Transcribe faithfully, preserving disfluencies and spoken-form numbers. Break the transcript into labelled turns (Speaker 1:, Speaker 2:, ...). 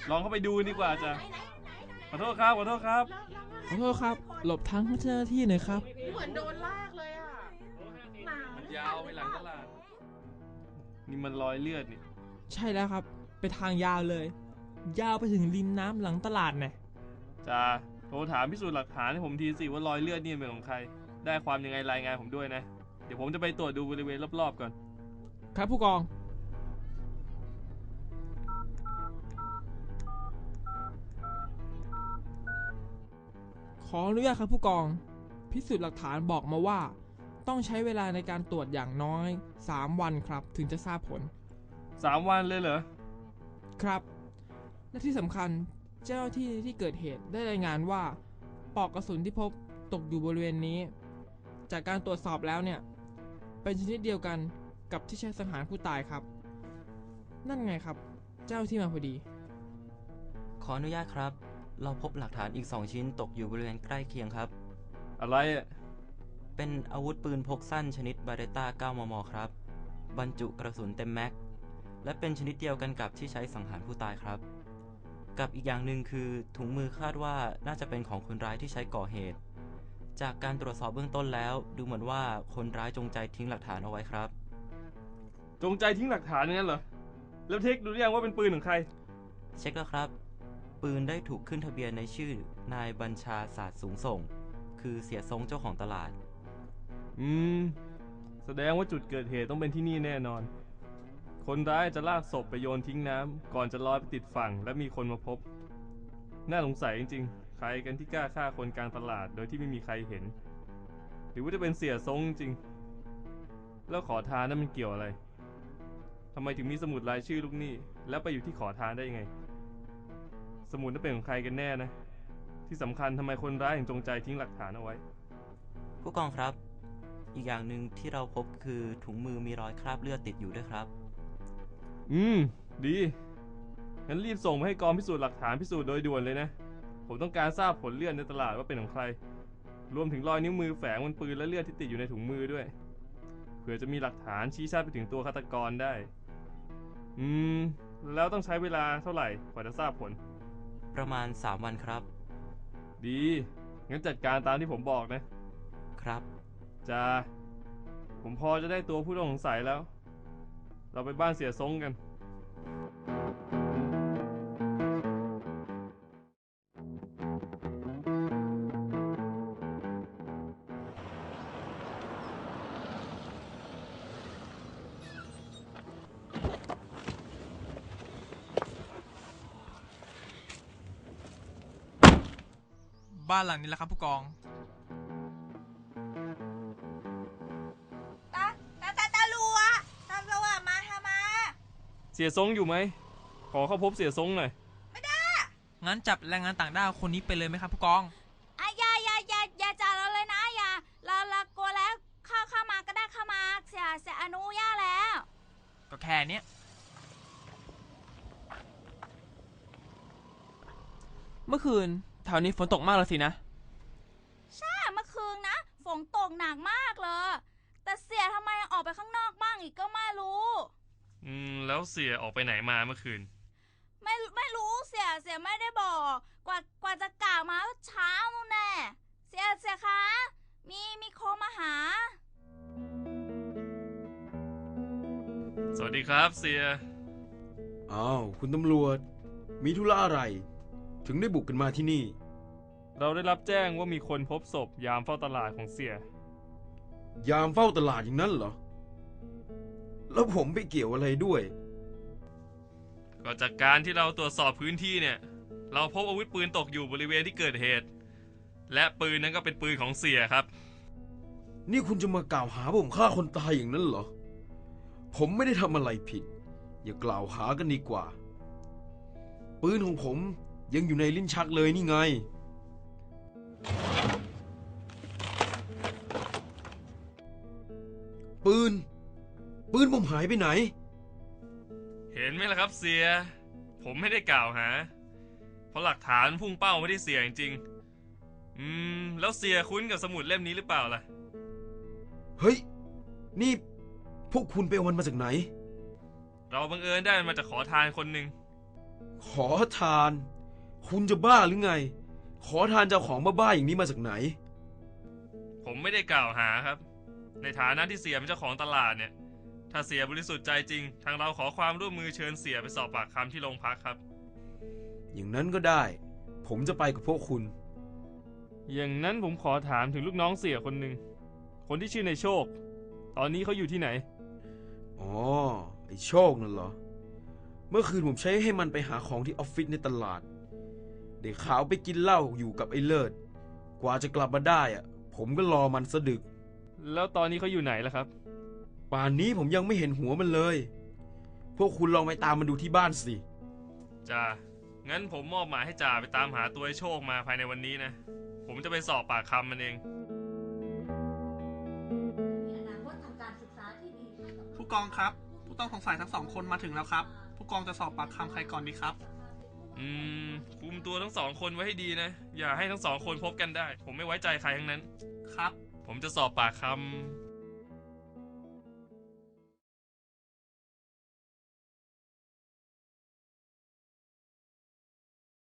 Speaker 1: ลองเข้าไปดูดีกว่าจ้ะขอโทษครับขอโทษครับ
Speaker 2: ขอโทษครับหลบทางเจ้าหน้าที่หน่อยครับ
Speaker 3: เหมือนโดนลากเลยอ่ะ
Speaker 1: มันยาวไปหลังตลาดนี่มันรอยเลือดนี่
Speaker 2: ใช่แล้วครับไปทางยาวเลยยาวไปถึงริมน้ำหลังตลาดเนี่ย
Speaker 1: จ้าโทรถามพิสูจน์หลักฐานให้ผมทีสิว่ารอยเลือดนี่เป็นของใครได้ความยังไงรายงานผมด้วยนะเดี๋ยวผมจะไปตรวจดูบริเวณรอบๆก่อน
Speaker 2: ครับผู้กองขออนุญาตครับผู้กองพิสูจน์หลักฐานบอกมาว่าต้องใช้เวลาในการตรวจอย่างน้อยสามวันครับถึงจะทราบผล
Speaker 1: สามวันเลยเหรอ
Speaker 2: ครับและที่สำคัญเจ้าหน้าที่ที่เกิดเหตุได้รายงานว่าปลอกกระสุนที่พบตกอยู่บริเวณนี้จากการตรวจสอบแล้วเนี่ยเป็นชนิดเดียวกันกับที่ใช้สังหารผู้ตายครับนั่นไงครับเจ้าที่มาพอดี
Speaker 4: ขออนุญาตครับเราพบหลักฐานอีกสองชิ้นตกอยู่บริเวณใกล้เคียงครับ
Speaker 1: อะไรอ่ะ
Speaker 4: เป็นอาวุธปืนพกสั้นชนิดบาเรต้า เก้า มม. ครับบรรจุกระสุนเต็มแม็กและเป็นชนิดเดียวกันกับที่ใช้สังหารผู้ตายครับกับอีกอย่างหนึ่งคือถุงมือคาดว่าน่าจะเป็นของคนร้ายที่ใช้ก่อเหตุจากการตรวจสอบเบื้องต้นแล้วดูเหมือนว่าคนร้ายจงใจทิ้งหลักฐานเอาไว้ครับ
Speaker 1: จงใจทิ้งหลักฐานงั้นเหรอแล้วเทคดูหรือยังว่าเป็นปืนของใคร
Speaker 4: เช็คแล้วครับปืนได้ถูกขึ้นทะเบียนในชื่อนายบัญชาศาสตร์สูงส่งคือเสียทรงเจ้าของตลาด
Speaker 1: อืมแสดงว่าจุดเกิดเหตุต้องเป็นที่นี่แน่นอนคนร้ายจะลากศพไปโยนทิ้งน้ำก่อนจะลอยไปติดฝั่งและมีคนมาพบน่าสงสัยจริงๆใครกันที่กล้าฆ่าคนกลางตลาดโดยที่ไม่มีใครเห็นหรือว่าจะเป็นเสียทรงจริงแล้วขอทานนั้นมันเกี่ยวอะไรทำไมถึงมีสมุดรายชื่อลูกหนี้แล้วไปอยู่ที่ขอทานได้ยังไงสมุดนั้นเป็นของใครกันแน่นะที่สำคัญทำไมคนร้ายถึงจงใจทิ้งหลักฐานเอาไว้
Speaker 4: ผู้กองครับอีกอย่างหนึ่งที่เราพบคือถุงมือมีรอยคราบเลือดติดอยู่ด้วยครับ
Speaker 1: อืมดีงั้นรีบส่งมาให้กองพิสูจน์หลักฐานพิสูจน์โดยด่วนเลยนะผมต้องการทราบผลเลือดในตลาดว่าเป็นของใครรวมถึงรอยนิ้วมือแฝงบนปืนและเลือดที่ติดอยู่ในถุงมือด้วยเผื่อจะมีหลักฐานชี้ชัดไปถึงตัวฆาตกรได้อืมแล้วต้องใช้เวลาเท่าไหร่กว่าจะทราบผล
Speaker 4: ประมาณสามวันครับ
Speaker 1: ดีงั้นจัดการตามที่ผมบอกนะครับจ้าผมพอจะได้ตัวผู้ต้องสงสัยแล้วเราไปบ้านเสียทรงกัน
Speaker 2: บ้านหลังนี้แหละครับผู้กอง
Speaker 5: ตาตาตาตาลัวตาลัวมาทำไม
Speaker 1: เสียทรงอยู่ไหมขอเข้าพบเสียทรงหน่อย
Speaker 5: ไม่ได้
Speaker 2: งั้นจับแรงงานต่างด้าวคนนี้ไปเลยไหมครับผู้กอง
Speaker 5: อ่ะอย่าอย่าอย่าอย่าจับเราเลยนะอย่าเราเรากลัวแล้วเข้าเข้ามาก็ได้เข้ามาเสียเสียอนุญาตแล้ว
Speaker 2: ก็แค่นี้เมื่อคืนแถวนี้ฝนตกมากเลยสินะ
Speaker 5: ใช่เมื่อคืนนะฝนตกหนักมากเลยแต่เสียทำไมออกไปข้างนอกบ้างอีกก็ไม่รู้
Speaker 1: อืมแล้วเสียออกไปไหนมาเมื่อคืน
Speaker 5: ไม่ไม่รู้เสียเสียไม่ได้บอกกว่ากว่าจะกล่าวมาเช้านู่นแน่เสียเสียคะมีมีโคมาหา
Speaker 1: สวัสดีครับเสีย
Speaker 6: อ้าวคุณตำรวจมีธุระอะไรถึงได้บุกกันมาที่นี่
Speaker 1: เราได้รับแจ้งว่ามีคนพบศพยามเฝ้าตลาดของเสีย
Speaker 6: ยามเฝ้าตลาดอย่างนั้นเหรอแล้วผมไปเกี่ยวอะไรด้วย
Speaker 1: ก็จากการที่เราตรวจสอบพื้นที่เนี่ยเราพบอาวุธปืนตกอยู่บริเวณที่เกิดเหตุและปืนนั้นก็เป็นปืนของเสียครับ
Speaker 6: นี่คุณจะมากล่าวหาผมฆ่าคนตายอย่างนั้นเหรอผมไม่ได้ทำอะไรผิดอย่ากล่าวหากันดีกว่าปืนของผมยังอยู่ในลิ้นชักเลยนี่ไงปืนปืนผมหายไปไหน
Speaker 1: เห็นไหมล่ะครับเสียผมไม่ได้กล่าวหาเพราะหลักฐานพุ่งเป้าไม่ได้เสียจริงๆอืมแล้วเสียคุ้นกับสมุดเล่มนี้หรือเปล่าล่ะ
Speaker 6: เฮ้ยนี่พวกคุณไปเอามันมาจากไหน
Speaker 1: เราบังเอิญได้มันมาจากขอทานคนหนึ่ง
Speaker 6: ขอทาน คุณจะบ้าหรือไง ขอทานจะเอาของบ้าๆอย่างนี้มาจากไหน
Speaker 1: ผมไม่ได้กล่าวหาครับ ในฐานะที่เสียเป็นเจ้าของตลาดเนี่ย ถ้าเสียบริสุทธิ์ใจจริง ทางเราขอความร่วมมือเชิญเสียไปสอบปากคำที่โรงพักครับ
Speaker 6: อย่างนั้นก็ได้ ผมจะไปกับพวกคุณ
Speaker 1: อย่างนั้นผมขอถามถึงลูกน้องเสียคนหนึ่ง คนที่ชื่อในโชค ตอนนี้เขาอยู่ที่ไหน
Speaker 6: อ๋อ ไอ้โชคนั่นเหรอ เมื่อคืนผมใช้ให้มันไปหาของที่ออฟฟิศในตลาด เด็กขาวไปกินเหล้าอยู่กับไอ้เลิศ กว่าจะกลับมาได้อะผมก็รอมันสะดึก
Speaker 1: แล้วตอนนี้เขาอยู่ไหนล่ะครับ
Speaker 6: ป่านนี้ผมยังไม่เห็นหัวมันเลย พวกคุณลองไปตามมันดูที่บ้านสิ
Speaker 1: จ่า งั้นผมมอบหมายให้จ่าไปตามหาตัวไอ้โชคมาภายในวันนี้นะ ผมจะไปสอบปากคำมันเอง
Speaker 3: ผู้กองครับ ผู้ต้องสงสัยทั้งสองคนมาถึงแล้วครับ ผู้กองจะสอบปากคำใครก่อนดีครับ
Speaker 1: อืม คุมตัวทั้งสองคนไว้ให้ดีนะ อย่าให้ทั้งสองคนพบกันได้ ผมไม่ไว้ใจใครทั้งนั้น
Speaker 3: ครับ
Speaker 1: ผมจะสอบปากค